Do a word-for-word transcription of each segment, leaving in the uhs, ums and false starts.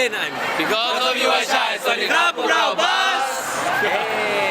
Berlin I'm Because of you I shine สวัสดีครับพวกเราบัสเย้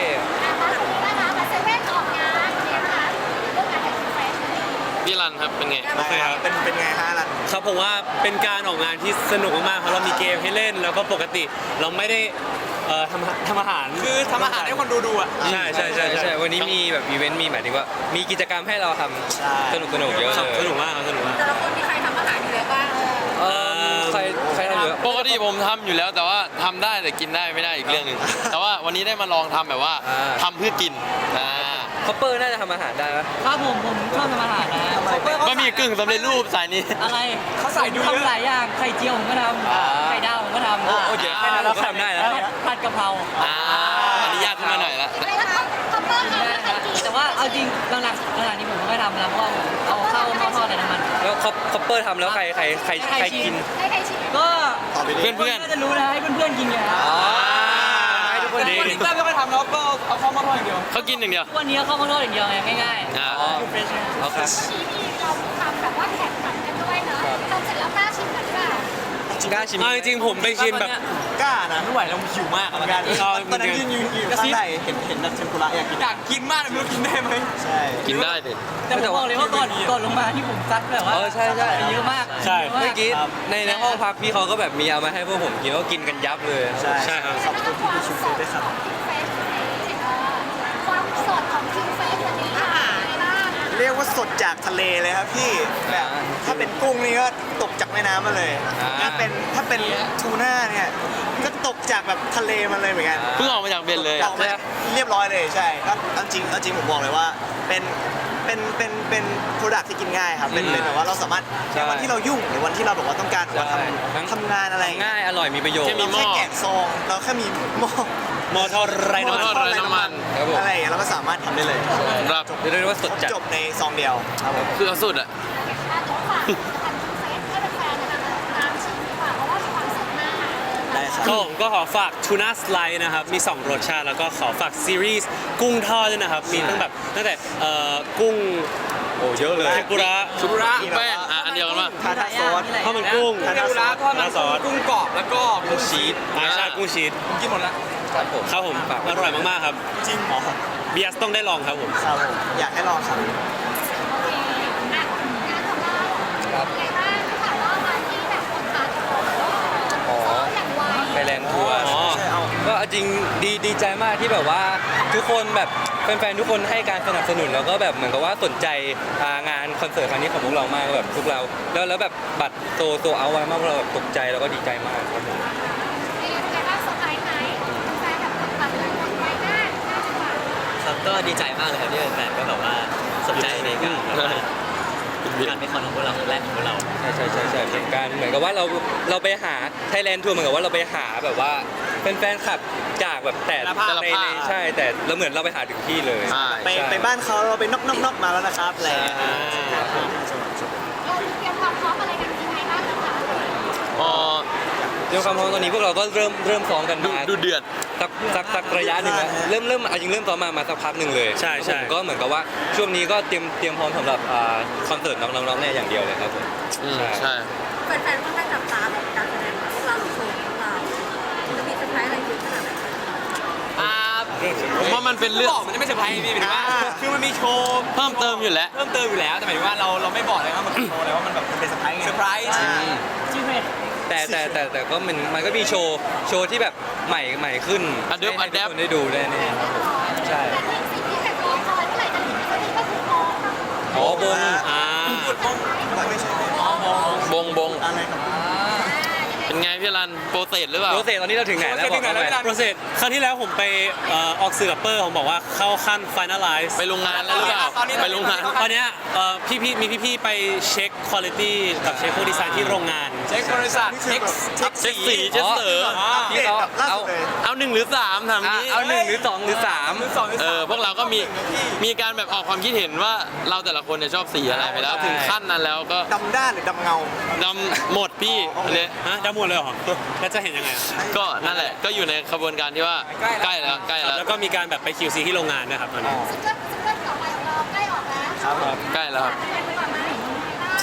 พี่รันครับเป็นไงโอเคครับเป็นเป็นไงฮะล่ะครับผมว่าเป็นการออกงานที่สนุกมากๆเพราะเรามีเกมให้เล่นแล้วก็ปกติเราไม่ได้เอ่อทำทำอาหารคือทำอาหารให้คนดูดูอ่ะใช่ใช่ใช่ใช่วันนี้มีแบบอีเวนต์มีหมายถึงว่ามีกิจกรรมให้เราทใช่ำสนุกสนุกเยอะครับเลยสนุกมากครับสนุกมากแต่ละคนมีใครทำอาหารอยู่แล้วบ้างเออใครใครทำเยอะปกติผมทำอยู่แล้วแต่ว่าทำได้แต่กินได้ไม่ได้อีกเรื่องหนึ่งแต่ว่าวันนี้ได้มาลองทำแบบว่าทำเพื่อกินอ่าคอปเปอร์น่าจะทำอาหารได้ไหมครับผมผมชอบทำอาหารนะบะหมี่กึ่งสำเร็จรูปสายนี้อะไรเขาใส่ดูเยอะทำหลายอย่างไข่เจียวผมก็ทำไข่ดาวผมก็ทำโอ้โอ้เดี๋ยวแค่นั้นเราก็ทำได้แล้วผัดผัดกะเพราอ่าอันนี้ยากขึ้นมาหน่อยละแต่ว่าเอาจริงหลังๆหลังๆนี้ผมไม่ค่อยทำแล้วเพราะว่าผมเอาเข้าหม้อทอดในน้ำมันแล้วคอปคอปเปอร์ทำแล้วใครใครใครใครกินก็เพื่อนเพื่อนน่าจะรู้นะให้เพื่อนๆกินไงครับอ๋อให้ทุกคนแต่ดีคนที่แรกไม่ค่อยทำแล้วก็เอาเข้ามาทอดอย่างเดียวเขากินอย่างเดียววันนี้เข้าหม้อทอดอย่างเดียวไงง่ายอ่าอ๋อๆเฟรชเอาครับชีมีเราทำแบบว่าแข่งขันกันด้วยเนอะทำเสร็จแล้วกล้าชิมกันหรือเปล่ากล้าชิมเอาจริงๆผมไปชิมแบบกล้านะไม่ไหวเราหิวมากเหมือนกันตอนนั้นยืนยืนอยู่ข้างในเห็นเห็นแบบเทมปุระอยากกินอยากกินมากเลยไม่รู้กินได้ไหมใช่กินได้ดิแต่ผมบอกเลยว่าก่อนก่อนลงมาที่ผมซัดแบบว่าเออใช่ใช่เยอะมากใช่เยอะากเมื่อกี้ในในห้องพักพี่เขาก็แบบมีเอามาให้พวกผมกินก็กินกันยับเลยใช่ใช่ครับขอบคุณที่พี่ชูเฟซด้วยครับคิงเฟสความสดของคิงเฟสวันนี้อาหารอะไรบ้างเรียกว่าสดจากทะเลเลยครับพี่แบบถ้าเป็นกุ้งนี่ก็ตกจากแม่น้ำมาเลยถ้าเป็นถ้าเป็นทูน่าเนี่ยก็ตกจากแบบทะเลมาเลยเหมือนกันเพิ่งออกมาจากเบนเลยออกมาเรียบร้อยเลยใช่ก็เอาจริงเอาจริงผมบอกเลยว่าเป็นเป็นเป็นเป็นโปรดักที่กินง่ายครับเป็นเป็นแบบว่าเราสามารถในวันที่เรายุ่งหรือวันที่เราแบบว่าต้องการแบบว่าทำทำงานอะไรง่ายอร่อยมีประโยชน์แค่มีเราแค่แกะซองเราแค่มีหม้อมอทอดไรหม้อน้ำทมัอดนไร้น้ำมันครับผมอะไรอย่างเงี้ยเราก็สามารถทำได้เลยครับเรียกได้ว่าสดจัดจบในซองเดียวครับผมคือเอาสุดอ่ะอ่ะเดี๋ยวฝากผลิตภัณฑ์คิงเฟสให้แฟนๆนะคะตามชิมดีกว่าเพราะว่ามีความสดมากได้ครับก็ผมก็ขอฝากทูน่าสไลด์นะครับมีสองรสชาติแล้วก็ขอฝากซีรีส์กุ้งทอดด้วยนะครับมีตั้งแบบตั้งแต่เอ่อกุ้งโอ้เยอะเลยเทมปุระชุบระแป้งอ่ะอันเดียวกันป่ะทาทาซอสข้าวมันกุ้งทาทาซอสทาทาซอสกุ้งกรอบแล้วก็กุ้งชีสอาชากุ้งชีสกินหมดแล้วครับผมครับผมอร่อยมากๆครับจริงเหรอเบียสต้องได้ลองครับผมครับผมอยากให้ลองครับโอเคอ่ะงานของเราครับเป็นไงบ้างถามว่าวันที่แบบคนทานของซ้อมอย่างไวไปแลนด์ทัวร์อ๋อใช่เอาก็จริงดีดีใจมากที่แบบว่าทุกคนแบบแฟนๆทุกคนให้การสนับสนุนแล้วก็แบบเหมือนกับว่าสนใจอ่างานคอนเสิร์ตครั้งนี้ของพวกเรามากแบบทุกเราแล้วแล้วแบบบัตรโตโตเอาไว้มากพวกเราแบบตกใจแล้วก็ดีใจมากครับผมเป็นไงบ้างเซอร์ไพรส์ไหมแฟนแบบตัดเลยหมดไวมากน่าจะแบบครับก็ดีใจมากเลยครับที่แฟนๆก็แบบว่าสนใจในการแบบว่าการเป็นคอนของพวกเราครั้งแรกของพวกเราใช่ใช่ใช่ใช่เป็นการเหมือนกับว่าเราเราไปหาไทยแลนด์ทัวร์เหมือนกับว่าเราไปหาแบบว่าเป็นแฟนคลับจากแบบแต่แต่ละภาคในในใช่แต่เราเหมือนเราไปหาถึงที่เลยใช่ไปไปบ้านเขาเราไปนอกนอกนอกมาแล้วนะครับอะไรอย่างเงี้ยเราเตรียมความพร้อมอะไรกันยังไงบ้างนะคะอ๋อเรื่องความพร้อมตอนนี้พวกเราก็เริ่มเริ่มซ้อมกันดูมาดูเดือดสักสักสักระยะหนึ่งแล้วเริ่มเริ่มเอาจริงเริ่มซ้อมมามาสักพักหนึ่งเลยใช่ใช่ผมก็เหมือนกับว่าช่วงนี้ก็เตรียมเตรียมพร้อมสำหรับอ่าคอนเสิร์ตน้องๆๆเนี่ยอย่างเดียวเลยครับผมอืมใช่แฟนๆค่อนข้างจับตาแบบการแสดงของพวกเราหรือโชว์ของพวกเราจะมีเซอร์ไพรส์อะไรอยู่ขนาดไหนอ่าผมว่ามันเป็นเรื่องบอกมันจะไม่เซอร์ไพรส์พี่หมายถึงว่าคือมันมีโชว์เพิ่มเติมอยู่แล้วเพิ่มเติมอยู่แล้วแต่หมายถึงว่าเราเราไม่บอกเลยว่ามันเป็นโชว์เลยว่ามันแบบมันเป็นเซอร์ไพรส์ไงเซอร์ไพรส์ชื่อเพจแต่แต่แต่แต่ก็มันมันก็มีโชว์โชว์ที่แบบใหม่ใหม่ขึ้น Adapt ให้ให้ทุก Adapt คนได้ดูได้แน่ครับผมใช่แต่ที่สิ่งที่แบบรอคอยเมื่อไหร่จะถึงสักทีก็คือมองอ๋อบงอ่าไม่ใช่บงบงอะไรครับเป็นไงพี่รันโปรเซสหรือเปล่าโปรเซสตอนนี้เราถึงไหนแล้วบอกเขาไปโปรเซสครั้งที่แล้วผมไปเอ่อออกสื่อกับเปอร์ผมบอกว่าเข้าขั้น finalize ไปโรงงานแล้วหรือเปล่าไปโรงงานตอนเนี้ยเอ่อพี่ๆมีพี่ๆไปเช็คคุณภาพกับเช็คพวกดีไซน์ที่โรงงานเช็คบริษัทเช็คเช็คเช็คสีเช็คเสริมที่เขาเอาเอาหนึ่งหรือสามถามอ่ะนี้เอาหนึ่งหรือสองหรือสามสองหรือเอสามอพวกเราก็มีมีการแบบออกความคิดเห็นว่าเราแต่ละคนเนี่ยชอบสีอะไรไปแล้วถึงขั้นนั้นแล้วก็ดำด้านหรือดำเงาดำหมดพี่อันนี้ฮะดำหมดเลยเหรอแล้วจะเห็นยังไงอะก็นั่นแหละก็อยู่ในขบวนการที่ว่าใกล้แล้วใกล้ครับแล้วแล้วก็มีการแบบไป คิว ซี ที่โรงงานนะครับตอนนี้ซิงเกิลซิงเกิลต่อไปของเราใกล้ออกแล้วครับผมใกล้แล้วครับเป็นไปก่อนไหม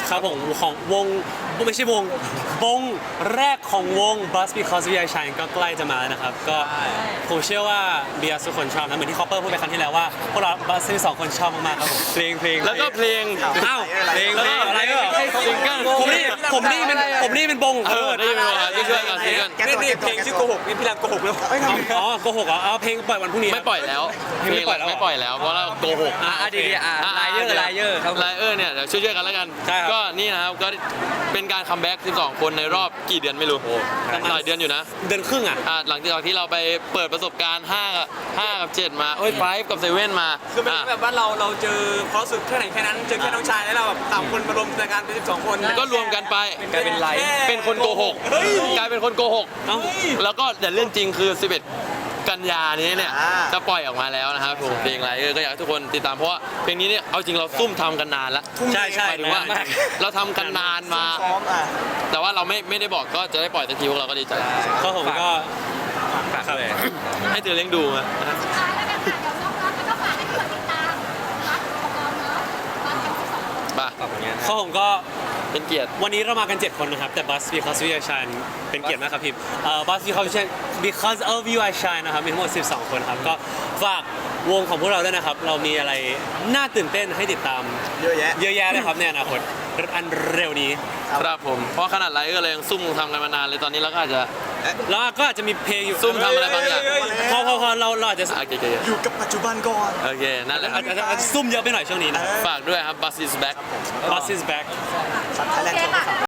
ครับผมของวงไม่ใช่วงวงแรกของวง Bus Because We Are Shine ก็ใกล้จะมาแล้วนะครับ ก็ผมเชื่อว่าเบียร์ทุกคนชอบนะเหมือนที่คอปเปอร์พูดไปครั้งที่แล้วว่าพวกเราบัสทั้งสองคนชอบมากๆครับผมเพลงเพลงแล้วก็เพลงอ้าวเพลงแล้วก็อะไรก็ซิงเกิลผมนี่ผมนี่เป็นผมนี่เป็นบงเออได้ยินไหมว่าช่วยๆกันซิงเกิลแกตัวแกตัวแกตัวนี่พี่รังโกหกแล้วเอ้ยทำอ๋อโกหกเหรอเอาเพลงปล่อยวันพรุ่งนี้ไม่ปล่อยแล้วเพลงไม่ปล่อยแล้วเหรอไม่ปล่อยแล้วเพราะเราโกหกอ่ะดีดีอ่ะไลเยอร์ไลเยอร์ครับไลเออร์เนี่ยเดี๋ยวช่วยๆกันแล้วกันใช่ครับก็นี่นะครับก็เป็นการคัมแบ็กสิบสองคนในรอบกี่เดือนไม่รู้หลายเดือนอยู่นะเดือนครึ่งอ่ะอ่ะหลังจากที่เราไปเปิดประสบการณ์ห้ากับห้ากับเจ็ดมาเอ้ยไฟกับเซเว่นมาคือเป็นแบบว่าเราเราเจอความรู้สึกแค่ไหนแค่นั้นเจอแค่น้องชายแล้วเราแบบสามคนมารวมรายการเป็นสิบสองคนก็รวมกันไปกลายเป็นไลฟ์เป็นคนโกหกกลายเป็นคนโกหกเอ้าแล้วก็แต่เรื่องจริงคือ สิบเอ็ด กันยานี้เนี่ยจะปล่อยออกมาแล้วนะครับผมเพลงไรเออก็อยากให้ทุกคนติดตามเพราะว่าเพลงนี้เนี่ยเอาจริงเราซุ่มทำกันนานแล้วใช่ใช่หมายถึงว่านานมากเราทำกันนานมาซ้อมอ่ะแต่ว่าเราไม่ไม่ได้บอกก็จะได้ปล่อยสักทีพวกเราก็ดีใจก็ผมก็ฝากเลยให้เธอเลี้ยงดูมาสุดท้ายแล้วกันค่ะเดี๋ยวน้องๆแล้วก็ฝากให้เพื่อนติดตามรักของเราเนาะรักทั้งสิบสองคนป่ะฝากผลงานข้อผมก็เป็นเกียรติวันนี้เรามากัน เจ็ด คนนะครับ แต่ Bus Because We Are Shine เป็นเกียรติมากครับพี่เอ่อ Bus Because We Shine Because of You I Shine นะครับมีทั้งหมด สิบสอง คนครับ ก็ฝากวงของพวกเราด้วยนะครับ เรามีอะไรน่าตื่นเต้นให้ติดตามเยอะแยะเยอะแยะเลยครับในอนาคตอันเร็วนี้ครับผมเพราะขนาดไรก็เลยยังซุ่มทำกันมานานเลยตอนนี้เราก็อาจจะแล้วก็อาจจะมีเพลงอยู่ซุ่มทำอะไรบางอย่างพอพอพอเราเราอาจจะโอเคโอเคอยู่กับปัจจุบันก่อนโอเคนั่นแหละครัอาบจจะอาจจะซุ่มเยอะไปหน่อยช่วงนี้นะฝากด้วยครับ Bus is back Bus is back สัตว์ไทยแลนด์โอเคค่ะ